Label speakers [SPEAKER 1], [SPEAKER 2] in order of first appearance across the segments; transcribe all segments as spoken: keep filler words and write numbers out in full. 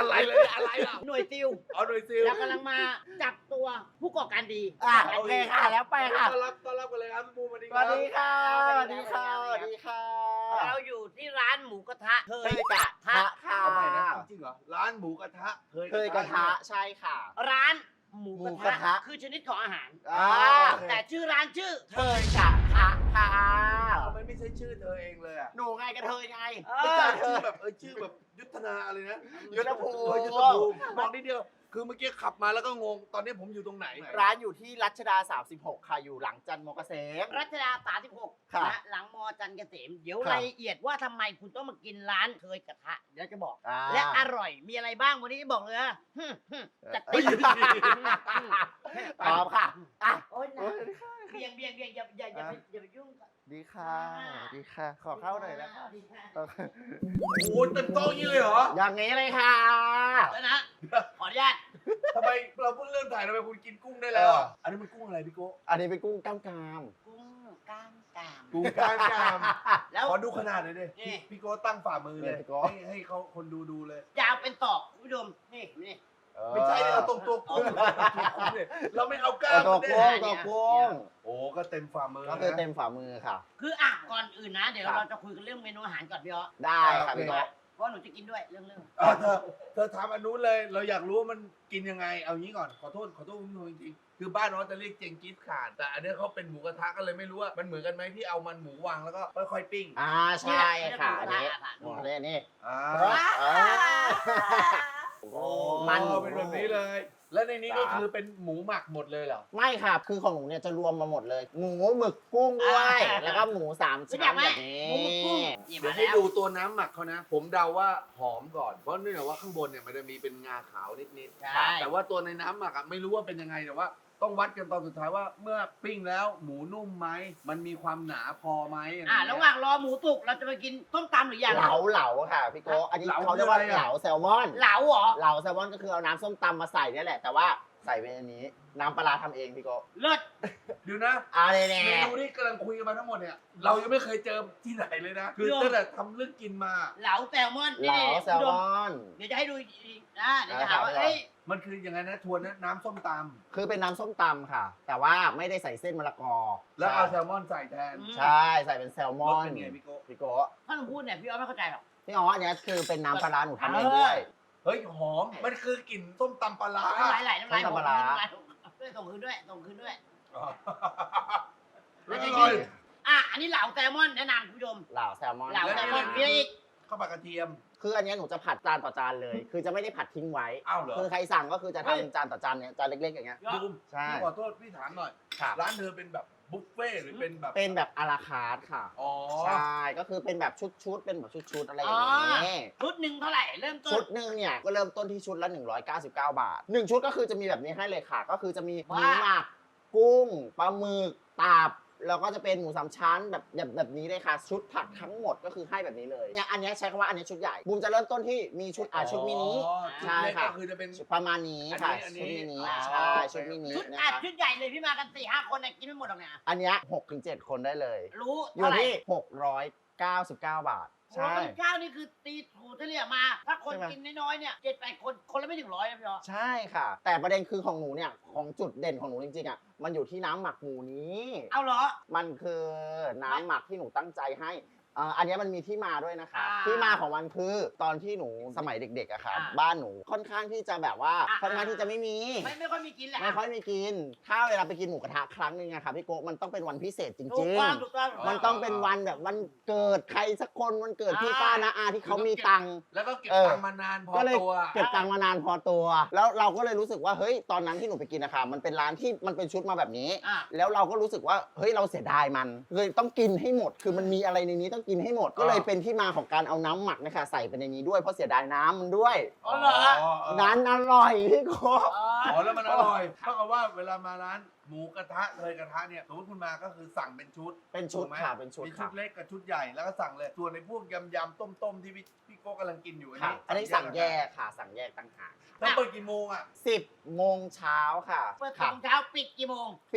[SPEAKER 1] อะไรเลยอะไรล่ะ
[SPEAKER 2] หน่วยซิล
[SPEAKER 1] เอาหน่วยซิล
[SPEAKER 2] แล้วกำลังมาจับตัวผู้ก่อการดี
[SPEAKER 3] อ่ะโอเคค่ะแล้วไปค่ะ
[SPEAKER 1] ต้อนรับต้อนรับกันเลยครับพี่บูมสวัสดี
[SPEAKER 3] ส
[SPEAKER 1] ครั
[SPEAKER 3] วั
[SPEAKER 1] บ
[SPEAKER 3] สดีค่ะสวัสดีค่ะสวัสดีค่ะ
[SPEAKER 2] เราอยู่ที่ร้านหมูกระทะเค
[SPEAKER 3] เค
[SPEAKER 2] ย
[SPEAKER 3] ย
[SPEAKER 2] ก
[SPEAKER 3] ก
[SPEAKER 2] ระ
[SPEAKER 3] ระ
[SPEAKER 2] ทะ
[SPEAKER 3] ทะค่ะ
[SPEAKER 1] เอาใหม่นะจริงเหรอร้านหมูกระทะ
[SPEAKER 3] เคยกระทะใช่ค่ะ
[SPEAKER 2] ร้านหมู
[SPEAKER 3] หมู
[SPEAKER 2] ก
[SPEAKER 3] ก
[SPEAKER 2] ระ
[SPEAKER 3] ระ
[SPEAKER 2] ทะ
[SPEAKER 3] ทะ
[SPEAKER 2] คือชนิดของอาหาร
[SPEAKER 3] อ่า
[SPEAKER 2] แต่ชื่อร้านชื่อ
[SPEAKER 3] เคยกระทะค่ะ
[SPEAKER 1] ทำไมไม่ใช่ชื่อเธอเองเลยอ่ะ
[SPEAKER 3] หนูไงกระเทยไง
[SPEAKER 2] เอ
[SPEAKER 1] ไม่
[SPEAKER 2] อ
[SPEAKER 1] ใช่ชื่อแบบเออชื่อแบบยุทธนาอะไรนะ
[SPEAKER 3] ยุทธภูมิ
[SPEAKER 1] เออยุทธภูมิบอกนิดเดียวคือเมื่อกี้ขับมาแล้วก็งงตอนนี้ผมอยู่ตรงไหน
[SPEAKER 3] ร้านอยู่ที่รัชดาสามสิบหกค่ะอยู่หลังจันทร์มอเกษม
[SPEAKER 2] รัชดาสามสิบหก
[SPEAKER 3] ค่ะ
[SPEAKER 2] นะหลังมอจันทร์เกษม เดี๋ยว
[SPEAKER 3] ค่ะ
[SPEAKER 2] รายละเอียดว่าทำไมคุณต้องมากินร้านเคยกระทะเดี๋ยวจะบอก
[SPEAKER 3] อ่า
[SPEAKER 2] และอร่อยมีอะไรบ้างวันนี้บอกเลยนะฮึ่มฮึ่มจัด
[SPEAKER 3] เอ้
[SPEAKER 2] เต็
[SPEAKER 3] ย
[SPEAKER 2] ม
[SPEAKER 3] พร้อมค่ะอ่ะ
[SPEAKER 2] โอ๊ยนะเบียงเบียงเบียงอย่าอย่าอย่าไปอย่าไปยุ่งกับ
[SPEAKER 3] ดีค่ะดีค่ะ ขอเข้าหน่อยนะคะ
[SPEAKER 2] ดีค่ะ
[SPEAKER 1] โอ้โหเต็มโต๊ะอย่างนี้เลยเหรอ
[SPEAKER 3] อย่างนี้เลยค่ะ
[SPEAKER 2] แล้วนะขออนุญาต
[SPEAKER 1] ทำไมเราเพิ่งเริ่มถ่ายทำไมคุณกินกุ้งได้แล้วอ่ะอันนี้มันกุ้งอะไรพี่โก้
[SPEAKER 3] อันนี้เป็นกุ้งกล้ามกราม
[SPEAKER 2] กุ้งกล้ามกราม
[SPEAKER 1] กุ้งกล้ามกราม
[SPEAKER 2] แล้ว
[SPEAKER 1] ขอดูขนาดหน่อยดิ
[SPEAKER 2] นี่
[SPEAKER 1] พี่พี่โก้ตั้งฝ่ามือเลย
[SPEAKER 3] เนี่ยพี่โก้
[SPEAKER 1] ให้ให้เขาคนดูดูเลย
[SPEAKER 2] ยาวเป็นตอกคุณผู้ชมนี่นี่
[SPEAKER 1] ไม่ใช่เนี่ยเราตรงตัวกุ้งเนี่ยเราไม่เอากล้าม
[SPEAKER 3] ตัว
[SPEAKER 1] มัน
[SPEAKER 3] กุ้ง
[SPEAKER 1] เนี่ย
[SPEAKER 3] ตัวกุ้ง
[SPEAKER 1] โอ้ก็เต็มฝ่ามือ
[SPEAKER 3] ก็คือ
[SPEAKER 1] นะ
[SPEAKER 3] เต็มฝ่ามือค่ะ
[SPEAKER 2] คืออ่ะก่อนอื่นนะ เดี๋ยว
[SPEAKER 3] ครับ
[SPEAKER 2] เราจะคุยกันเรื่องเมนูอาหารก่อนพี่อ๋อ
[SPEAKER 3] ได้ค่ะ
[SPEAKER 1] โอเค
[SPEAKER 3] พี่โต๊ะ
[SPEAKER 2] เพราะหนูจะกินด้วยเรื่องเรื่อง
[SPEAKER 1] อ่ะเธอเธอทำอันนู้นเลย เราอยากรู้ว่ามันกินยังไง เอางี้ก่อน ขอโทษ ขอโทษคุณผู้ชมจริงๆ คือบ้านน้องจะเรียกเจงกิสข่าน แต่อันเนี้ยเขาเป็นหมูกระทะก็เลยไม่รู้ว่ามันเหมือนกันไหมที่เอามันหมูวางแล้วก็ค่อยๆปิ้ง
[SPEAKER 3] อ่าใช่ค่ะอันนี้
[SPEAKER 2] ค่ะ
[SPEAKER 3] หมูทะเลนี่
[SPEAKER 1] อ่า
[SPEAKER 3] อ่าโอ้
[SPEAKER 1] มั
[SPEAKER 3] มัน น
[SPEAKER 1] เป็นแบบนี้เลย แล้วในนี้ก็คือเป็นหมูหมักหมดเลยเหรอ
[SPEAKER 3] ไม่ค่ะ คือของหนูเนี่ยจะรวมมาหมดเลย หมูหมึกกุ้งด้วย แล้วก็หมูสาม
[SPEAKER 2] รู้
[SPEAKER 3] ชั้
[SPEAKER 2] จัก
[SPEAKER 3] น
[SPEAKER 2] ไหม
[SPEAKER 3] แบบนี้
[SPEAKER 2] หมูหมึกกุ้งนี่
[SPEAKER 1] เดี๋ย
[SPEAKER 2] มาว
[SPEAKER 1] ให้
[SPEAKER 2] แล้ว
[SPEAKER 1] ดูตัวน้ำหมักเขานะ ผมเดาว่าหอมก่อน เพราะเนื่องจากว่าข้างบนเนี่ยมันจะมีเป็นงาขาวนิด
[SPEAKER 2] ใช่
[SPEAKER 1] ๆ แต่ว่าตัวในน้ำหมักอะไม่รู้ว่าเป็นยังไงแต่ว่า ต้องวัดกันตอนสุดท้ายว่าเมื่อปิ้งแล้วหมูนุ่มไหมมันมีความหนาพอไหมอะไร
[SPEAKER 2] อ่ะ
[SPEAKER 1] เงี้ย
[SPEAKER 2] ระหว่างรอหมูสุกเราจะไปกินต้มตำหรือยัง
[SPEAKER 3] เหลาเหลาค่ะพี่โก้อันนี้
[SPEAKER 1] เหลา
[SPEAKER 3] เขาเรียกว่า
[SPEAKER 1] คืออะไรอะ
[SPEAKER 3] เหลาแซลมอน
[SPEAKER 2] เหลาเหรอ
[SPEAKER 3] เหลาแซลมอนก็คือเอาน้ำส้มตำมาใส่เนี่ยแหละ แต่ว่าใส่ไปในนี้ น้ำปลาร้าทำเองพี่โก้
[SPEAKER 2] เลิศ
[SPEAKER 1] เดี๋ยวนะ
[SPEAKER 3] อ่าเลย
[SPEAKER 1] เม
[SPEAKER 3] แน่
[SPEAKER 1] นูที่กำลังคุยกันมาทั้งหมดเนี่ยเรายังไม่เคยเจอที่ไหนเลยนะคือตั้งแต่ทำเรื่องกินมา
[SPEAKER 2] เหลาแซลมอน
[SPEAKER 3] เหลา
[SPEAKER 2] นี่
[SPEAKER 3] แซลมอน
[SPEAKER 2] เดี๋ยวจะให้ดูอีกนะเดี๋ยวจะหาว่า
[SPEAKER 3] ได้ครับ
[SPEAKER 2] เอ้ย
[SPEAKER 1] มันคืออย่างไงนะทวนนะน้ำส้มต
[SPEAKER 3] คือเป็นน้ำส้มตำค่ะ แต่ว่าไม่ได้ใส่เส้นมะละกอ
[SPEAKER 1] ำแล้วเอาแซลมอนใส่แทน
[SPEAKER 3] ใช่ใส่เป็นแซลม
[SPEAKER 1] ร
[SPEAKER 3] อ
[SPEAKER 1] ส
[SPEAKER 3] น
[SPEAKER 1] เป็นไงพี่โก้
[SPEAKER 3] พี่โก้
[SPEAKER 2] ถ้าหนูพูดเนี่ยพี่อ๋อไม่เข้าใจหรอก
[SPEAKER 3] พี่อ๋ออันเนี้ยคือเป็นน้ำปลาร้าหนูทำเองด้วย
[SPEAKER 1] เฮ้ยหอมมันคือกลิ่นส้มตำปลาร้า
[SPEAKER 2] น้ำลายไหลน้ำลาย
[SPEAKER 3] ต้
[SPEAKER 2] ผม
[SPEAKER 3] มตำปลาร้า
[SPEAKER 2] น้ำลายผมด้วยส่งคืนด้วยส่งคืนด้วย
[SPEAKER 1] อ๋อ
[SPEAKER 2] แล้ว
[SPEAKER 1] อ
[SPEAKER 2] จะ
[SPEAKER 1] ร่อย
[SPEAKER 2] อ่ะอันนี้เหลาแซลมอนแนะนำคุณผู้ชม
[SPEAKER 3] เหลาแซลมอน
[SPEAKER 2] เหลาแซลมอน
[SPEAKER 1] แล้ว
[SPEAKER 2] มีอะไรอีก
[SPEAKER 1] ข้าวผัดกระเทียม
[SPEAKER 3] คืออันเนี้ยหนูจะผัดจานต่อจานเลย คือจะไม่ได้ผัดทิ้งไว้
[SPEAKER 1] อ้าวเหรอ
[SPEAKER 3] คือใครสั่งก็คือจะ
[SPEAKER 2] เฮ้ย
[SPEAKER 3] ทำจานต่อจานเนี่ยจานเล็กๆอย่างเงี้ย
[SPEAKER 1] บูม
[SPEAKER 3] ใช่
[SPEAKER 1] พี่ขอโทษพี่ถามหน่อย
[SPEAKER 3] ค่ะ
[SPEAKER 1] ร้านเธอเป็นแบบบุฟเฟ่ต์หรือเป็นแบบ
[SPEAKER 3] เป็นแบบอาราคาร์ทค่ะ
[SPEAKER 1] อ๋อ
[SPEAKER 3] ใช่ก็คือเป็นแบบชุดๆเป็นแบบชุดๆอะไรอย่างเงี้ย
[SPEAKER 2] ชุดหนึ่งเท่าไหร่เริ่มต้
[SPEAKER 3] ชุ
[SPEAKER 2] น
[SPEAKER 3] ดหนึ่งเนี่ยก็เริ่มต้นที่ชุดละหนึ่งร้อยเก้าสิบเก้าบาทหนึ่งชุดก็คือจะมีแบบนี้ให้เลยค่ะ ก็คือจะมีหมู
[SPEAKER 2] ว่า
[SPEAKER 3] หมักกุ้งปลาหมึกตับแล้วก็จะเป็นหมูสามชั้นแบบแบบแบบนี้เลยค่ะ ชุดผักทั้งหมดก็คือให้แบบนี้เลยเนี่ยอันเนี้ยใช้คำว่าอันเนี้ยชุดใหญ่บูมจะเริ่มต้นที่มีชุดอ่าชุดมินิ
[SPEAKER 1] อ๋อชุด
[SPEAKER 3] ใช่
[SPEAKER 1] เล็ก
[SPEAKER 3] ค่ะ
[SPEAKER 1] ก็คือจะเป็น
[SPEAKER 3] ประมาณนี้ค่ะ
[SPEAKER 1] อันนี้
[SPEAKER 3] ชุดมินิ
[SPEAKER 1] อันนี้
[SPEAKER 3] ใช่
[SPEAKER 1] อ๋อ
[SPEAKER 3] ชุดมินิ
[SPEAKER 2] ชุด
[SPEAKER 3] นะ
[SPEAKER 2] อัด
[SPEAKER 3] คะ
[SPEAKER 2] ชุดใหญ่เลยพี่มากันสี่ห้าคนเนี่ยกินไม่หมดหรอกเนี่ย
[SPEAKER 3] อันเนี้ยหกถึงเจ็ดคนได้เลย
[SPEAKER 2] รู้
[SPEAKER 3] อยู่
[SPEAKER 2] เท่าไหร่
[SPEAKER 3] ที่หกร้อยเก้าสิบเก้าบาท
[SPEAKER 2] ใช่
[SPEAKER 3] ใช่
[SPEAKER 2] เก้านี่คือตีถูเฉลี่ยมา ถ้าคน
[SPEAKER 3] ใช่ไหม
[SPEAKER 2] กินน้อยๆเนี่ยเจ็ดแปดคนคนละไม่ถึงร้อยนะพี่อ๋อ
[SPEAKER 3] ใช่ค่ะ แต่ประเด็นคือของหนูเนี่ยของจุดเด่นของหนูจริงๆอ่ะมันอยู่ที่น้ำหมักหมูนี้
[SPEAKER 2] เอาเหรอ
[SPEAKER 3] มันคือน้ำหมักที่หนูตั้งใจให้อ่าอันเนี้ยมันมีที่มาด้วยนะคะ
[SPEAKER 2] อ่า
[SPEAKER 3] ที่มาของมันคือตอนที่หนูสมัยเด็กๆอะค่ะ
[SPEAKER 2] อ่า
[SPEAKER 3] บ้านหนูค่อนข้างที่จะแบบว่า
[SPEAKER 2] อ่า
[SPEAKER 3] ค่อนข้างที่จะไม่มี
[SPEAKER 2] ไม่ไม่ค่อยมีกินแหละ
[SPEAKER 3] ไม่ค่อยมีกิน ถ้าเวลาไปกินหมูกระทะครั้งหนึงอะค่ะพี่โกะมันต้องเป็นวันพิเศษจ
[SPEAKER 2] ถู
[SPEAKER 3] ริ
[SPEAKER 2] ก
[SPEAKER 3] ง
[SPEAKER 2] ต้องถูกต้อง
[SPEAKER 3] ๆ มันต้องเป็นวันแบบวันเกิดใครสักคนวันเกิดพี่ป้านะอาที่เขามีตังค์
[SPEAKER 1] แล้วก็เก็บ
[SPEAKER 3] เออ
[SPEAKER 1] ตังค์มานานพอ
[SPEAKER 3] ก็เลย
[SPEAKER 1] ตัว
[SPEAKER 3] เก็บตังค์มานานพอตัว แล้วเราก็เลยรู้สึกว่าเฮ้ยตอนนั้นที่หนูไปกินนะคะมันเป็นร้านที่มันเป็นชุดมาแบบนี้
[SPEAKER 2] อ่ะ
[SPEAKER 3] แล้วเราก็รู้สึกว่าเฮ้ยเราเสียดายมันเลยต้องกินให้หมด คือมันมีอะไรในนี้ต้องกินให้หมด ก็เลยเป็นที่มาของการเอาน้ำหมักนะคะใส่ไปในนี้ด้วยเพราะเสียดายน้ำมันด้วย
[SPEAKER 2] อ๋อเหรอ
[SPEAKER 3] นั้นอร่อยพี่โก
[SPEAKER 2] อ๋อ
[SPEAKER 1] อ๋อแล้วมันอร่อยเท่ากับว่าเวลามาร้านหมูกระทะเลยกระทะเนี่ยสมมติคุณมาก็คือสั่งเป็นชุด
[SPEAKER 3] เป็นชุด
[SPEAKER 1] ถูกไหม
[SPEAKER 3] ค่ะเป็นชุด
[SPEAKER 1] มีชุ
[SPEAKER 3] ค่ะ
[SPEAKER 1] ดเล็กกับชุดใหญ่แล้วก็สั่งเลย ส่วนในพวกยำยำต้มต้มๆที่พี่พี่โก้กำลังกินอยู่อัน
[SPEAKER 3] ค่ะ
[SPEAKER 1] นี้
[SPEAKER 3] อันนี้สั่งแยกค่ะสั่งแยกต่างหาก
[SPEAKER 1] ถ้าเปิดกี่โมงอ่ะ
[SPEAKER 3] สิบโมงเช้าค่ะ
[SPEAKER 2] เปิด
[SPEAKER 3] ค่ะ
[SPEAKER 2] โมงเช้าปิดกี่โมง
[SPEAKER 3] ปิด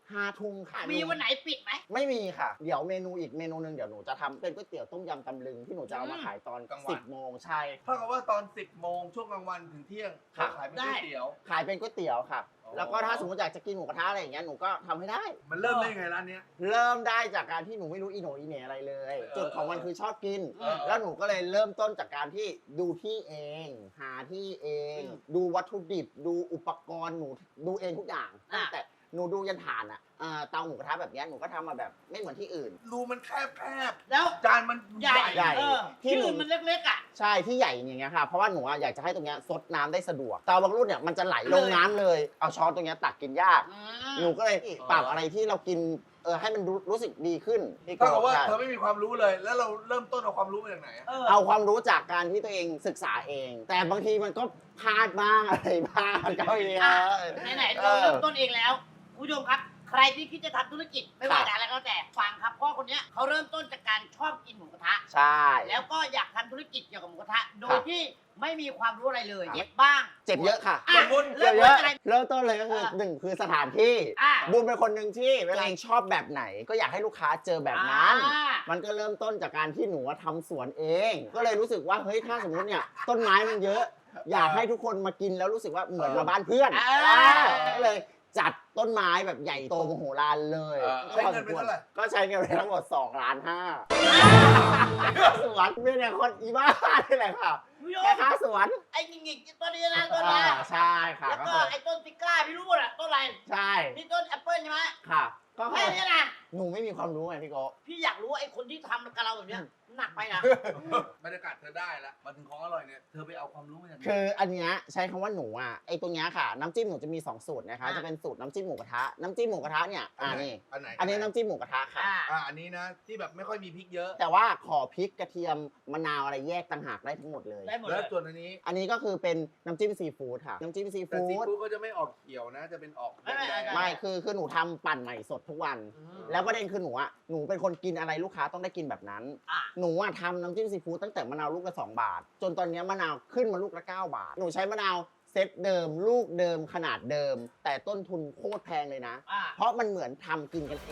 [SPEAKER 3] ห้าทุ่มค่ะ
[SPEAKER 2] มีวันไหนปิดไหม
[SPEAKER 3] ไม่มีค่ะ เดี๋ยวเมนูอีกเมนูหนึ่งเดี๋ยวหนูจะทำเป็นก๋วยเตี๋ยวต้มยำตำลึงที่หนูจะเอามาขายตอน
[SPEAKER 1] กลางวัน
[SPEAKER 3] สิบโมงใช่
[SPEAKER 1] เท่ากับว่าตอนสิบโมงช่วงกลางวันถึงเที่ยง
[SPEAKER 3] ค่ะ
[SPEAKER 1] ขายเป็นก๋วยเตี๋ยว
[SPEAKER 3] ขายเป็นก๋วยเตี๋ยวค่ะ
[SPEAKER 1] อ๋อ
[SPEAKER 3] แล้วก็ถ้าสมมติอยากจะกินหมูกระทะอะไรอย่างเงี้ยหนูก็ทำให้ได้
[SPEAKER 1] มันเริ่มได้ไงร้านเนี้ย
[SPEAKER 3] เริ่มได้จากการที่หนูไม่รู้อีโหนอีเหน่อะไรเลย
[SPEAKER 1] เออ
[SPEAKER 3] จุดของมันคือชอบกิน
[SPEAKER 1] เออ
[SPEAKER 3] แล้วหนูก็เลยเริ่มต้นจากการที่ดูที่เอง หาที่เอง
[SPEAKER 2] อืม
[SPEAKER 3] ดูวัตถุดิบ ดูอุปกรณ์หนูดูเองทุกอย่าง
[SPEAKER 2] อ่ะ
[SPEAKER 3] ตั้งแต่หนูดูยันถ่านอ่ะเอ่อเตาหมูกระทะแบบเนี้ยหนูก็ทำมาแบบไม่เหมือนที่อื่น
[SPEAKER 1] รูมันแคบแคบ
[SPEAKER 2] แล้ว
[SPEAKER 1] จานมัน
[SPEAKER 2] ใหญ่
[SPEAKER 3] ใหญ่
[SPEAKER 2] เออ
[SPEAKER 3] ที่
[SPEAKER 2] ที่
[SPEAKER 3] หนู
[SPEAKER 2] อื่นมันเล็กๆอ่ะ
[SPEAKER 3] ใช่ที่ใหญ่อย่างเงี้ยค่ะเพราะว่าหนูอะอยากจะให้ตรงเนี้ยซดน้ำได้สะดวกเตาบางรุ่นเนี่ยมันจะไหลลงน้ำเลย เอาช้อนตรงเนี้ยตักกินยาก
[SPEAKER 2] อื
[SPEAKER 3] หนู
[SPEAKER 2] ม
[SPEAKER 3] ก็เลยปรับอะไรที่เรากินเออให้มันรู้รู้สึกดีขึ้นพี่
[SPEAKER 1] เท่ากับว่า
[SPEAKER 3] ใช่
[SPEAKER 1] เธอไม่มีความรู้เลย แล้วเราเริ่มต้นเอาความรู้มาจากไหนอะ
[SPEAKER 2] เออ
[SPEAKER 3] เอาความรู้จากการที่ตัวเองศึกษาเอง แต่บางทีมันก็พลาดบ้างอะไรบ้างก็มี
[SPEAKER 2] อ่ะ
[SPEAKER 3] เออ
[SPEAKER 2] ไหนๆ
[SPEAKER 3] เอ
[SPEAKER 2] เรา
[SPEAKER 3] อ
[SPEAKER 2] เริ่มต้นเองแล้วคุณผู้ชมครับ ใครที่คิดจะทำธุรกิจไม่ว่า
[SPEAKER 3] ค่ะ
[SPEAKER 2] จะอะไรก็แล้วแต่ฟังครับเพราะคนเนี้ยเขาเริ่มต้นจากการชอบกินหมูกระทะ
[SPEAKER 3] ใช่
[SPEAKER 2] แล้วก็อยากทำธุรกิจเกี่ยวกับหมูกระทะ โดย
[SPEAKER 3] ค่ะ
[SPEAKER 2] ที่ไม่มีความรู้อะไรเลย
[SPEAKER 3] ค่ะ
[SPEAKER 2] เจ็บบ้าง
[SPEAKER 3] เจ็บเยอะค่ะ
[SPEAKER 2] อ่ะ
[SPEAKER 1] สมมุติ
[SPEAKER 2] เริ่
[SPEAKER 3] เจ็
[SPEAKER 2] ม
[SPEAKER 3] บเย
[SPEAKER 2] ต้น
[SPEAKER 3] อะ
[SPEAKER 2] อะไร
[SPEAKER 3] เริ่มต้นเลยก็คือ
[SPEAKER 2] อ่ะ
[SPEAKER 3] หนึ่งคือสถานที่
[SPEAKER 2] อ่ะ
[SPEAKER 3] บูมเป็นคนหนึ่งที่เวลาเองชอบแบบไหน ก็อยากให้ลูกค้าเจอแบบนั้น
[SPEAKER 2] อ่า
[SPEAKER 3] มันก็เริ่มต้นจากการที่หนูทำสวนเอง ก็เลยรู้สึกว่าเฮ้ยถ้าสมมติเนี่ยต้นไม้มันเยอะ อยากให้ทุกคนมากินแล้วรู้สึกว่าเหมือนมาบ้านเพื่อน
[SPEAKER 2] อ่า
[SPEAKER 3] อ่าก็เลยจัดต้นไม้แบบใหญ่โตมโหฬารเลย
[SPEAKER 1] เออใช้เงินไปเท่าไหร่
[SPEAKER 3] ก็ใช้เงินไปทั้งหมดสองล้านห้าสวนไม่เนี่ยคนอีบ้านี่แหละค่ะ
[SPEAKER 2] คุณผู้ช
[SPEAKER 3] แค่
[SPEAKER 2] ม
[SPEAKER 3] ค่าสวน
[SPEAKER 2] ไอ้หงิกๆต้นนี้นะต้น
[SPEAKER 3] อ่า
[SPEAKER 2] นี้
[SPEAKER 3] ใช่ค่ะ
[SPEAKER 2] แล้ว
[SPEAKER 3] ก็
[SPEAKER 2] ก็
[SPEAKER 3] คือ
[SPEAKER 2] ไอ้ต้นซิก้าพี่รู้หมดอะต้นอะไร
[SPEAKER 3] ใช่
[SPEAKER 2] นี่ต้นแอปเปิ้ลใช่ไหม
[SPEAKER 3] ค่ะ ก็
[SPEAKER 2] แค่
[SPEAKER 3] คือ
[SPEAKER 2] นี้นะ
[SPEAKER 3] หนูไม่มีความรู้ไงพี่โก
[SPEAKER 2] พี่อยากรู้ว่าไอ้คนที่ทำกับเราแบบเนี้ยหนักไปนะ
[SPEAKER 1] บรรยากาศเธอได้แล้วมาถึงของอร่อยเนี่ยเธอไปเอาความรู้มาจากไหน
[SPEAKER 3] คืออันเนี้ยใช้คำว่าหนูอ่ะไอตัวเนี้ยค่ะน้ำจิ้มหนูจะมีสองสูตรนะคะ
[SPEAKER 2] อ่ะ
[SPEAKER 3] จะเป็นสูตรน้ำจิ้มหมูกระทะน้ำจิ้มหมูกระทะเนี่ยอ่านี่
[SPEAKER 1] อันไหน
[SPEAKER 3] อันนี้น้ำจิ้มหมูกระทะค่ะ
[SPEAKER 2] อ่า
[SPEAKER 1] อ่าอันนี้นะที่แบบไม่ค่อยมีพริกเยอะ
[SPEAKER 3] แต่ว่าขอพริกกระเทียมมะนาวอะไรแยกต่างหากได้ทั้งหมดเลย
[SPEAKER 2] ได้หมดเล
[SPEAKER 1] แล้ว
[SPEAKER 2] ย
[SPEAKER 1] ส่วนอันนี้
[SPEAKER 3] อันนี้ก็คือเป็นน้ำจิ้มซีฟู้ดค่ะน้ำจิ้มซี
[SPEAKER 1] แต่
[SPEAKER 3] ฟู้
[SPEAKER 1] ซี
[SPEAKER 3] ด
[SPEAKER 1] ฟู้ดก็จะไม่ออกเขียวนะ จะเป็นออกแด
[SPEAKER 2] ไม่
[SPEAKER 1] ง
[SPEAKER 2] ไม่
[SPEAKER 1] ๆ
[SPEAKER 3] ไม่คือคือหนูทำปั่นใหม่สดทุกวัน
[SPEAKER 2] อืม
[SPEAKER 3] แล้วประเด็นคือหนูอ่ะหนูเป็นคนกินอะไรลูกค้าต้องได้กินแบบนั้น
[SPEAKER 2] อ่ะ
[SPEAKER 3] หนูอ่ะทำน้ำจิ้มซีฟู้ดตั้งแต่มะนาวลูกละสองบาท จนตอนเนี้ยมะนาวขึ้นมาลูกละเก้าบาท หนูใช้มะนาวเซตเดิม ลูกเดิมขนาดเดิม แต่ต้นทุนโคตรแพงเลยนะ
[SPEAKER 2] อ่า
[SPEAKER 3] เพราะมันเหมือนทำกินกันเอง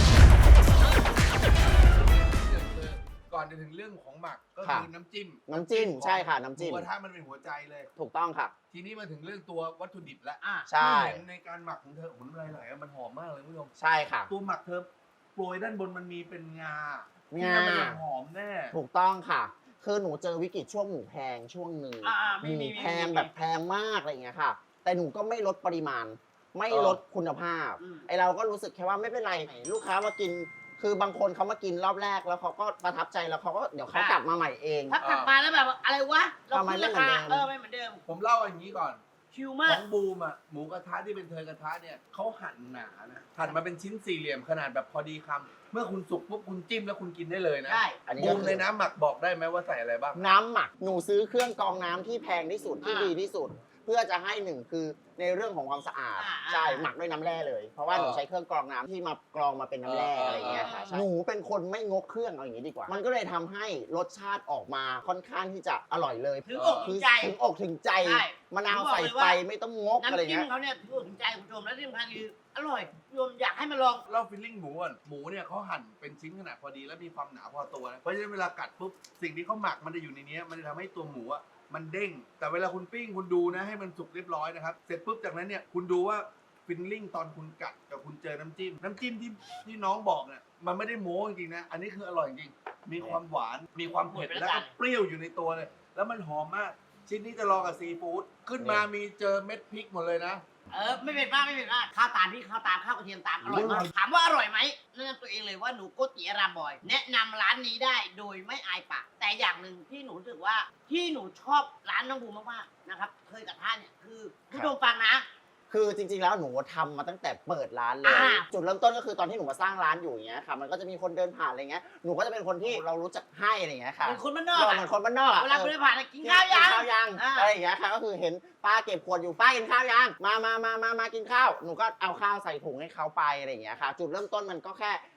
[SPEAKER 1] ก่อนจะถึงเรื่องของหมักก็
[SPEAKER 3] ค่ะ
[SPEAKER 1] คือน้ำจิ้ม
[SPEAKER 3] น้ำจิ้มใช่ค่ะน้ำจิ้ม
[SPEAKER 1] หมูกระทะมันเป็นหัวใจเลย
[SPEAKER 3] ถูกต้องค่ะ
[SPEAKER 1] ทีนี้มาถึงเรื่องตัววัตถุดิบแล้ว
[SPEAKER 2] อ่ะ
[SPEAKER 3] ใช่
[SPEAKER 1] ที่เห็นในการหมักของเธอผมน้ำลายไหลอะมันหอมมากเลยคุณผู้ชม
[SPEAKER 3] ใช่ค่ะ
[SPEAKER 1] ตัวหมักเธอโปรยด้านบนมันมีเป็นงา
[SPEAKER 3] งา
[SPEAKER 1] ที่มันจะหอมแน่
[SPEAKER 3] ถูกต้องค่ะ คือหนูเจอวิกฤตช่วงหมูแพงช่วงหนึ่ง
[SPEAKER 2] อ่าอ่า
[SPEAKER 3] ห
[SPEAKER 2] มี
[SPEAKER 3] มู
[SPEAKER 2] มี
[SPEAKER 3] แพงแบบแพงมากอะไรอย่างเงี้ยค่ะ แต่หนูก็ไม่ลดปริมาณ ไม่ลดคุณภาพ
[SPEAKER 2] อืม
[SPEAKER 3] ไอเราก็รู้สึกแค่ว่าไม่เป็นไรลูกค้ามากิน คือบางคนเขามากินรอบแรกแล้วเขาก็ประทับใจแล้วเขาก็เดี๋ยวเขากลับมาใหม่เอง
[SPEAKER 2] ถ้ากลับมาแล้วแบบว่าอะไรวะ เรา
[SPEAKER 3] ทำไม
[SPEAKER 2] ขึ้น
[SPEAKER 3] ไม่
[SPEAKER 2] รา
[SPEAKER 3] เหมือนเดิม
[SPEAKER 2] คาเออไม่เหมือนเดิม
[SPEAKER 1] ผมเล่าอย่างนี้ก่อน
[SPEAKER 2] ชิว
[SPEAKER 1] ข
[SPEAKER 2] มาก
[SPEAKER 1] องบูมอ่ะหมูกระทะที่เป็นเทยกระทะเนี่ยเขาหั่นหนานะหั่นมาเป็นชิ้นสี่เหลี่ยมขนาดแบบพอดีคำเมื่อคุณสุกปุ๊บคุณจิ้มแล้วคุณกินได้เลยนะ
[SPEAKER 2] ใช่
[SPEAKER 3] อันนี้
[SPEAKER 1] บู
[SPEAKER 3] ก็
[SPEAKER 1] ม
[SPEAKER 3] คือ
[SPEAKER 1] ในน้ำหมักบอกได้ไหมว่าใส่อะไรบ้าง
[SPEAKER 3] น้ำหมักหนูซื้อเครื่องกรองน้ำที่แพงที่สุดที่
[SPEAKER 2] อ่า
[SPEAKER 3] ดีที่สุด เพื่อจะให้หนึ่งคือในเรื่องของความสะอาด
[SPEAKER 2] อ่า
[SPEAKER 3] ใช่หมักด้วยน้ำแร่เลย เพราะว่า
[SPEAKER 1] เออ
[SPEAKER 3] หนูใช้เครื่องกรองน้ำที่มากรองมาเป็นน้ำแร่
[SPEAKER 1] เอออ
[SPEAKER 3] อะไรอย่างเงี้ยค่ะ
[SPEAKER 2] เออ
[SPEAKER 3] ใช่หนูเป็นคนไม่งกเครื่องเอาอย่างนี้ดีกว่า มันก็เลยทำให้รสชาติออกมาค่อนข้างที่จะอร่อยเลย
[SPEAKER 2] ถึงอกถึ
[SPEAKER 3] คื
[SPEAKER 2] ง
[SPEAKER 3] อ
[SPEAKER 2] ใจ
[SPEAKER 3] ถึงอกถึงใจ
[SPEAKER 2] ใช่
[SPEAKER 3] มะนาว
[SPEAKER 2] ผมบอก
[SPEAKER 3] ใส่
[SPEAKER 2] เลย
[SPEAKER 3] ไป
[SPEAKER 2] ว่า
[SPEAKER 3] ไม่ต้องงกอะไร
[SPEAKER 2] น้ำจิ้ม
[SPEAKER 3] เงี้ย
[SPEAKER 2] เขาเนี่ยถึงอกถึงใจคุณผู้ชมและที่สำคัญคืออร่อยคุณผู้ชมอยากให้มาลอง
[SPEAKER 1] เล่าฟิลลิ่งหมูก่อนหมูเนี่ยเขาหั่นเป็นชิ้นขนาดพอดีและมีความหนาพอตัวนะเพราะฉะนั้นเวลากัดปุ๊บสิ่งที่เขาหมักมันจะอยู่ในเนี้ยมันจะทำให้ตัวหมูอ่ะมันเด้ง แต่เวลาคุณปิ้งคุณดูนะให้มันสุกเรียบร้อยนะครับเสร็จปุ๊บจากนั้นเนี่ยคุณดูว่าฟิลลิ่งตอนคุณกัดกับคุณเจอน้ำจิ้มน้ำจิ้มที่ที่น้องบอกเนี่ยมันไม่ได้โม้จริงๆนะอันนี้คืออร่อยจริงมีความหวานมีความเผ็ดแล้วก็เปรี้ยวอยู่ในตัวเลยแล้วมันหอมมากชิ้นนี้จะลองกับซีฟู้ดขึ้นมามีเจอเม็ดพริกหมดเลยนะ
[SPEAKER 2] เออไม่เป็นมากไม่เป็นมากข้าวตามพี่ข้าวตามข้าวกระเทียมตามอร่อยมากถามว่าอร่อยไหมแนะนำตัวเองเลยว่าหนูโกติอารามบอย แนะนำร้านนี้ได้โดยไม่อายปากแต่อย่างหนึ่งที่หนูรู้สึกว่าที่หนูชอบร้านน้องบูมมากๆนะครับเคยกับท่านเนี่ยคือผู้ชมฟังนะ
[SPEAKER 3] คือจริงๆ แล้วหนูทำมาตั้งแต่เปิดร้านเลย
[SPEAKER 2] อ่า
[SPEAKER 3] จุดเริ่มต้นก็คือตอนที่หนูมาสร้างร้านอยู่อย่างเงี้ยค่ะ มันก็จะมีคนเดินผ่านอะไรเงี้ย หนูก็จะเป็นคนที่เรารู้จักให้อะไรเงี้ยค่ะ
[SPEAKER 2] เป็นคนบ้านนอก
[SPEAKER 3] เรา
[SPEAKER 2] อะ
[SPEAKER 3] เหมือนคนบ้านนอกอะ
[SPEAKER 2] เวลา
[SPEAKER 3] เออ
[SPEAKER 2] เดินผ่านอะกินข้าวยัง
[SPEAKER 3] กินข้าวยัง
[SPEAKER 2] อ่า
[SPEAKER 3] อะไรอย่างเงี้ยค่ะ ก็คือเห็นป้าเก็บขวดอยู่ป้ากินข้าวยัง มามามามามากินข้าว หนูก็เอาข้าวใส่ถุงให้เขาไปอะไรอย่างเงี้ยค่ะ จุดเริ่มต้นมันก็แค่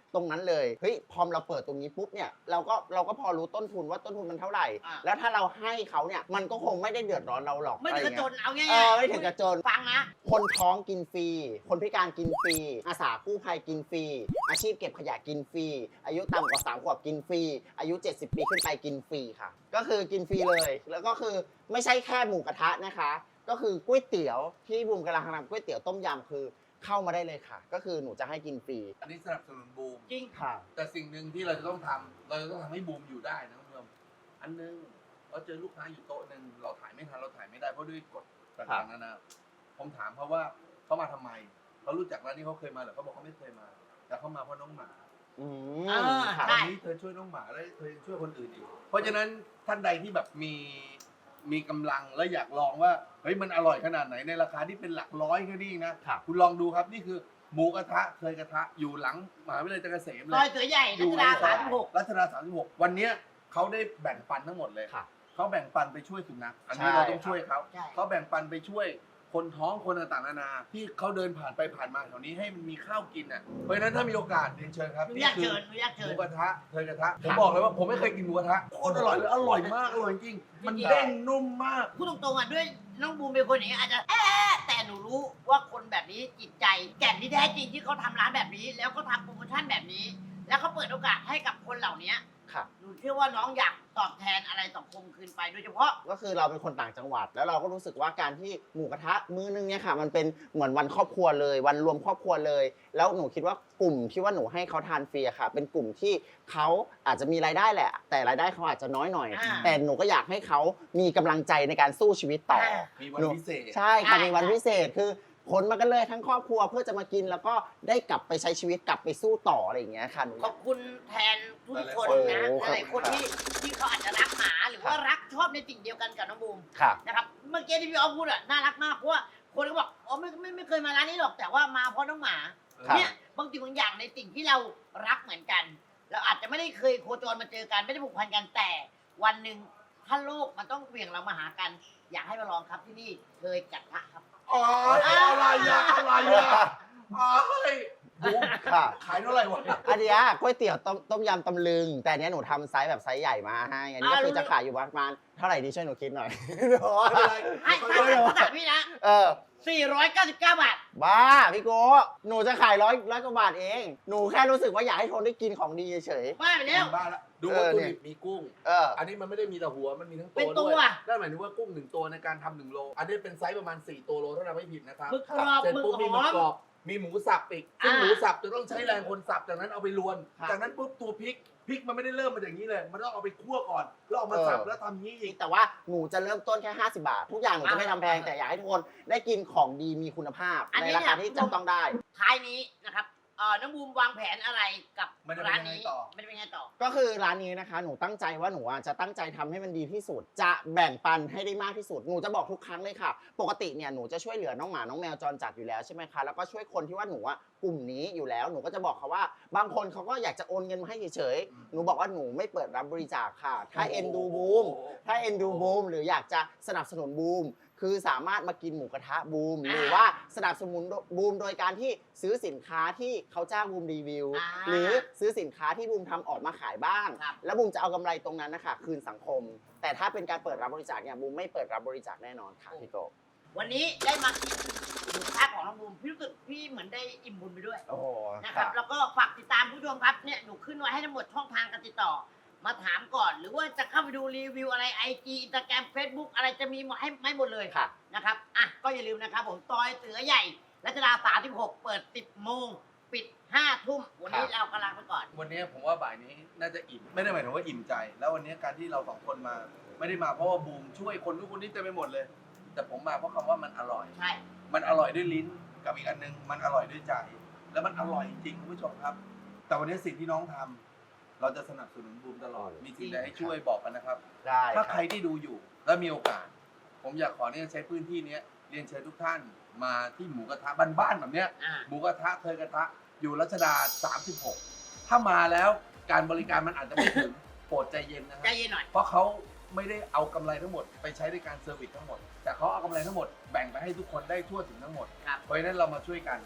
[SPEAKER 3] ตรงนั้นเลยเฮ้ยพอเราเปิดตรงนี้ปุ๊บเนี่ยเราก็เราก็พอรู้ต้นทุนว่าต้นทุนมันเท่าไหร่
[SPEAKER 2] อ่า
[SPEAKER 3] แล้วถ้าเราให้เขาเนี่ยมันก็คงไม่ได้เดือดร้อนเราหรอก
[SPEAKER 2] ไม่ถึงกระจนเอาง่าย
[SPEAKER 3] เออไม่ถึงกระจน
[SPEAKER 2] ฟังนะ
[SPEAKER 3] คนท้องกินฟรี คนพิการกินฟรี อาสากู้ภัยกินฟรี อาชีพเก็บขยะกินฟรี อายุต่ำกว่าสามขวบกินฟรี อายุเจ็ดสิบปีขึ้นไปกินฟรีค่ะ ก็คือกินฟรีเลย แล้วก็คือไม่ใช่แค่หมูกระทะนะคะ ก็คือก๋วยเตี๋ยวที่บูมกำลังทำก๋วยเตี๋ยวต้มยำคือเข้ามาได้เลยค่ะ ก็คือหนูจะให้กินฟรี
[SPEAKER 1] อันนี้สนับสนุนบูม
[SPEAKER 2] จริง
[SPEAKER 3] ค่ะ
[SPEAKER 1] แต่สิ่งหนึ่งที่เราจะต้องทำเราจะต้องทำให้บูมอยู่ได้นะคุณผู้ชมอันหนึงเราเจอลูกค้าอยู่โต๊ะหนึ่งเราถ่ายไม่ทันเราถ่ายไม่ได้เพราะด้วยกฎต่างๆนานาผมถามเขาว่าเขามาทำไมเขารู้จักร้านนี้เขาเคยมาเหรือเขาบอกเขาไม่เคยมา แต่เขามาเพราะน้องหมา
[SPEAKER 3] อื
[SPEAKER 2] เอ
[SPEAKER 3] ม
[SPEAKER 2] อ
[SPEAKER 3] ค่ะ
[SPEAKER 2] ใช่
[SPEAKER 1] วันนี้เธอช่วยน้องหมาแล้วเธอยังช่วยคนอื่นอีกเพราะฉะนั้นท่านใดที่แบบมีมีกำลังและอยากลองว่าเฮ้ยมันอร่อยขนาดไหนในราคาที่เป็นหลักร้อยแค่นี้นะ
[SPEAKER 3] ค่ะ
[SPEAKER 1] คุณลองดูครับนี่คือหมูกระทะเคยกระทะอยู่หลังมหาวิทยาลัยจักรเกษมเล
[SPEAKER 2] ซอย
[SPEAKER 1] ย
[SPEAKER 2] เสือใหญ่
[SPEAKER 1] อ
[SPEAKER 2] รั
[SPEAKER 1] ยู่
[SPEAKER 2] ช
[SPEAKER 1] ใน
[SPEAKER 2] ดา
[SPEAKER 1] ซ
[SPEAKER 2] สา
[SPEAKER 1] อ
[SPEAKER 2] ม
[SPEAKER 1] ย
[SPEAKER 2] สิบหก
[SPEAKER 1] รัชดาสามสิบหกวันเนี้ยเขาได้แบ่งปันทั้งหมดเลย
[SPEAKER 3] ค่ะ
[SPEAKER 1] เขาแบ่งปันไปช่วยสุนัขอันนี้
[SPEAKER 3] ใช่
[SPEAKER 1] เราต้องช่วยเขา
[SPEAKER 2] ใช่
[SPEAKER 1] เขาแบ่งปันไปช่วยคนท้องคนต่างๆนานาที่เขาเดินผ่านไปผ่านมาแถวนี้ให้มันมีข้าวกินอ่ะเพราะฉะนั้นถ้ามีโอกาสเรียนเชิญครับ
[SPEAKER 2] หนู
[SPEAKER 1] นี่
[SPEAKER 2] อยาก
[SPEAKER 1] คื
[SPEAKER 2] เชิญหนูอยาก
[SPEAKER 1] ห
[SPEAKER 2] เชิ
[SPEAKER 1] มู
[SPEAKER 2] ญ
[SPEAKER 1] กระทะเคยกระทะผมบอกเลยว่าผมไม่เคยกินหมูกระทะโคตรอร่อยเลยอร่อยมากอร่อยจริงมันเด้งนุ่มมาก
[SPEAKER 2] พูดตรงๆอ่ะด้วยน้องบูมเป็นคนอย่างนี้อาจจะแอะแต่หนูรู้ว่าคนแบบนี้จิตใจ แก่นที่แท้จริงที่เขาทำร้านแบบนี้ แล้วก็ทำโปรโมชั่นแบบนี้ แล้วเขาเปิดโอกาสให้กับคนเหล่านี้
[SPEAKER 3] ค่ะ
[SPEAKER 2] หนูเชื่อว่าน้องอยากตอบแทนอะไรสังคมคืนไปโดยเฉพาะ
[SPEAKER 3] ก็คือเราเป็นคนต่างจังหวัด แล้วเราก็รู้สึกว่าการที่หมูกระทะมื้อนึงเนี่ยค่ะ มันเป็นเหมือนวันครอบครัวเลย วันรวมครอบครัวเลย แล้วหนูคิดว่ากลุ่มที่ว่าหนูให้เขาทานฟรีอะค่ะ เป็นกลุ่มที่เขาอาจจะมีรายได้แหละ แต่รายได้เขาอาจจะน้อยหน่อย
[SPEAKER 2] อ่า
[SPEAKER 3] แต่หนูก็อยากให้เขามีกำลังใจในการสู้ชีวิตต่อ
[SPEAKER 2] อ่า
[SPEAKER 1] มีวันพิเศษ
[SPEAKER 3] ใช่ค่ะ
[SPEAKER 2] ใช่
[SPEAKER 3] มีวันพิเศษคือขนมากันเลยทั้งครอบครัวเพื่อจะมากินแล้วก็ได้กลับไปใช้ชีวิตกลับไปสู้ต่ออะไรอย่างเงี้ยค่ะหนู
[SPEAKER 2] ขอบคุณแทนทุกคน
[SPEAKER 3] หลาย
[SPEAKER 2] นะ
[SPEAKER 3] ๆคน
[SPEAKER 2] หลายๆคนที่ที่เขาอาจจะรักหมาหรือว่ารักชอบในสิ่งเดียวกันกับน้องบูม
[SPEAKER 3] ค่ะ
[SPEAKER 2] นะครับเมื่อกี้ที่พี่ออฟพูดอะน่ารักมากเพราะว่าคนก็บอกอ๋อไม่ไม่ไม่เคยมาร้านนี้หรอกแต่ว่ามาเพราะน้องหมา
[SPEAKER 3] ครับ
[SPEAKER 2] เนี่ยบางสิ่งบางอย่างในสิ่งที่เรารักเหมือนกัน เราอาจจะไม่ได้เคยโคจรมาเจอกันไม่ได้ผูกพันกันแต่วันหนึ่งถ้าโลกมันต้องเหวี่ยงเรามาหากัน อยากให้มาลองครับที่นี่เคยกระทะครับ
[SPEAKER 1] อ๋ออะไรอะอะไรอะอ๋อเฮ้ยบูม
[SPEAKER 3] ค่ะ
[SPEAKER 1] ขายเท่าไหร่วะ
[SPEAKER 3] อันเนี้ยก๋วยเตี๋ยวต้มต้มยำตำลึง แต่อันเนี้ยหนูทำไซส์แบบไซส์ใหญ่มาให้อันนี้ก็
[SPEAKER 2] อ่า
[SPEAKER 3] คือ
[SPEAKER 2] รู้
[SPEAKER 3] จะขายอยู่ประมาณเท่าไหร่ดีช่วยหนูคิดหน่อย
[SPEAKER 1] ไม่เป็นไร
[SPEAKER 2] ให้
[SPEAKER 1] ค่
[SPEAKER 2] ถ้า
[SPEAKER 1] อยๆ
[SPEAKER 2] ถ้าถามพี่นะ
[SPEAKER 3] เออ
[SPEAKER 2] สี่ร้อยเก้าสิบเก้าบาท
[SPEAKER 3] บ้าพี่โก้หนูจะขายร้อยร้อยกว่าบาทเอง หนูแค่รู้สึกว่าอยากให้คนได้กินของดีเฉย
[SPEAKER 2] บ้าไปแล้ว
[SPEAKER 1] บ้าละดู
[SPEAKER 3] เอ
[SPEAKER 1] วัต
[SPEAKER 3] อ
[SPEAKER 1] ถุ
[SPEAKER 3] เนี่ย
[SPEAKER 1] ดิบมีกุ้ง
[SPEAKER 3] ๆเออ
[SPEAKER 1] อันนี้มันไม่ได้มีแต่หัว มันมีทั้ง
[SPEAKER 2] เป็
[SPEAKER 1] ตัวน
[SPEAKER 2] ตัว
[SPEAKER 1] ด้วยนั่นหมายถึงว่ากุ้งหนึ่งตัวในการทำหนึ่งโล อันนี้เป็นไซส์ประมาณสี่ตัวโลถ้าเราไม่ผิดนะครับ
[SPEAKER 2] หมึกกรอบ
[SPEAKER 1] เสร็จ
[SPEAKER 2] หมึก
[SPEAKER 1] ปุ๊บ
[SPEAKER 2] ห
[SPEAKER 1] มีหมึ
[SPEAKER 2] อก ม
[SPEAKER 1] กรอบ มีหมูสับอีก ซึ่ง
[SPEAKER 2] อ่า
[SPEAKER 1] หมูสับจะต้องใช้แรงคนสับ จากนั้นเอาไปรวน
[SPEAKER 3] ครับ
[SPEAKER 1] จากนั้นปุ๊บตัวพริก พริกมันไม่ได้เริ่มมาอย่างนี้เลย มันต้องเอาไปคั่วก่อน แล้วเอามาสับ
[SPEAKER 3] เออ
[SPEAKER 1] แล้วทำนี้อีก
[SPEAKER 3] แต่ว่าหนูจะเริ่มต้นแค่ห้าสิบบาท ทุกอย่างหนูจะไม่ทำแพงแต่อยากให้ทุกคนได้กินของดีมีคุณภาพ
[SPEAKER 2] อัน
[SPEAKER 3] ใน
[SPEAKER 2] นี้
[SPEAKER 3] ราคา
[SPEAKER 2] เนี่ย
[SPEAKER 3] ที่จับต้องได้
[SPEAKER 2] ท้ายนี้นะครับเอ่อน้องบูมวางแผนอะไรกับ
[SPEAKER 1] ไม่ได้เป็น
[SPEAKER 2] ร้าน
[SPEAKER 1] ยังไง
[SPEAKER 2] นี้
[SPEAKER 1] ต่อ
[SPEAKER 2] ไม่ได้เป็นไงต่อ
[SPEAKER 3] ก็คือร้านนี้นะคะ หนูตั้งใจว่าหนูอ่ะจะตั้งใจทำให้มันดีที่สุด จะแบ่งปันให้ได้มากที่สุด หนูจะบอกทุกครั้งเลยค่ะ ปกติเนี่ยหนูจะช่วยเหลือน้องหมาน้องแมวจรจัดอยู่แล้วใช่ไหมคะ แล้วก็ช่วยคนที่ว่าหนูอ่ะกลุ่มนี้อยู่แล้ว หนูก็จะบอกเขาว่า บางคนเขาก็อยากจะโอนเงินมาให้เฉยๆ หนูบอกว่าหนูไม่เปิดรับบริจาคค่ะ ถ้าเอ็นดูบูม ถ้าเอ็นดูบูมหรืออยากจะสนับสนุนบูม คือสามารถมากินหมูกระทะบูม หรือว่าสนับสนุนบูมโดยการที่ซื้อสินค้าที่เขาจ้างบูมรีวิว
[SPEAKER 2] อ่า
[SPEAKER 3] หรือซื้อสินค้าที่บูมทำออกมาขายบ้าง
[SPEAKER 2] ครับ
[SPEAKER 3] แล้วบูมจะเอากำไรตรงนั้นนะคะคืนสังคม แต่ถ้าเป็นการเปิดรับบริจาคเนี่ยบูมไม่เปิดรับบริจาคแน่นอนค่ะพี่โก
[SPEAKER 2] วันนี้ได้มากินหมูกระทะของน้องบูมพี่รู้สึกพี่เหมือนได้อิ่มบุญไปด้วย
[SPEAKER 3] โอ้โห
[SPEAKER 2] นะครับ แล้วก็ฝากติดตามผู้ชมครับเนี่ยหนูขึ้นไว้ให้ทั้งหมดช่องทางการติดต่อ มาถามก่อน หรือว่าจะเข้าไปดูรีวิวอะไรไอจีอินสตาแกรมเฟซบุ๊กอะไรจะมีมาให้ไม่หมดเลย
[SPEAKER 3] ค่ะ
[SPEAKER 2] นะครับอ่ะก็อย่าลืมนะครับผมซอยเสือใหญ่รัชดาสามสิบหกเปิดสิบโมงปิดห้าทุ่มวันนี้เรากำลังไปก่อน
[SPEAKER 1] วันนี้ผมว่าบ่ายนี้น่าจะอิ่ม ไม่ได้หมายถึงว่าอิ่มใจ แล้ววันนี้การที่เราสองคนมา ไม่ได้มาเพราะว่าบูมช่วยคนทุกคนที่เต็มไปหมดเลย แต่ผมมาเพราะคำว่ามันอร่อย
[SPEAKER 2] ใช่
[SPEAKER 1] มันอร่อยด้วยลิ้นกับอีกอันนึงมันอร่อยด้วยใจ แล้วมันอร่อยจริงคุณผู้ชมครับ แต่วันนี้สิ่งที่น้องทำเราจะสนับสนุนบูมตลอด มีสิ่งใดให้ช่วยบอกกันนะครับ
[SPEAKER 3] ได้
[SPEAKER 1] ถ้า
[SPEAKER 3] ค
[SPEAKER 1] ใค
[SPEAKER 3] รั
[SPEAKER 1] ร
[SPEAKER 3] บ
[SPEAKER 1] ที่ดูอยู่แล้วมีโอกาส ผมอยากขอเนี่ยใช้พื้นที่เนี้ยเรียนเชิญทุกท่านมาที่หมูกระทะบ้านๆแบบเนี้ย
[SPEAKER 2] อ่า
[SPEAKER 1] หมูกระทะเคยกระทะอยู่รัชดาสามสิบหกถ้ามาแล้วการบริการมันอาจจะไม่ถึง โปรดใจเย็นนะค
[SPEAKER 2] ใจ
[SPEAKER 1] รับ
[SPEAKER 2] เย็นหน่อย
[SPEAKER 1] เพราะเขาไม่ได้เอากำไรทั้งหมดไปใช้ในการเซอร์วิสทั้งหมด แต่เขาเอากำไรทั้งหมดแบ่งไปให้ทุกคนได้ทั่วถึงทั้งหมด
[SPEAKER 2] ครับ
[SPEAKER 1] เพราะฉะนั้นเรามาช่วยกัน ว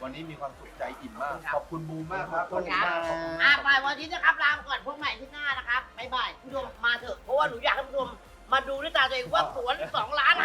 [SPEAKER 1] วันนี้มีความสุขใจอิ่มมาก
[SPEAKER 2] ครับ
[SPEAKER 1] ขอบคุณบูมมากครับ
[SPEAKER 3] ขอบคุณครับ
[SPEAKER 2] อ่ะไปวันนี้นะครับลาไปก่อนพบใหม่ที่หน้านะครับบ๊ายบายผู้ชมมาเถอะเพราะว่าหนูอยากให้ผู้ชมมาดูด้วยตาตัวเองว่าสวนสองล้าน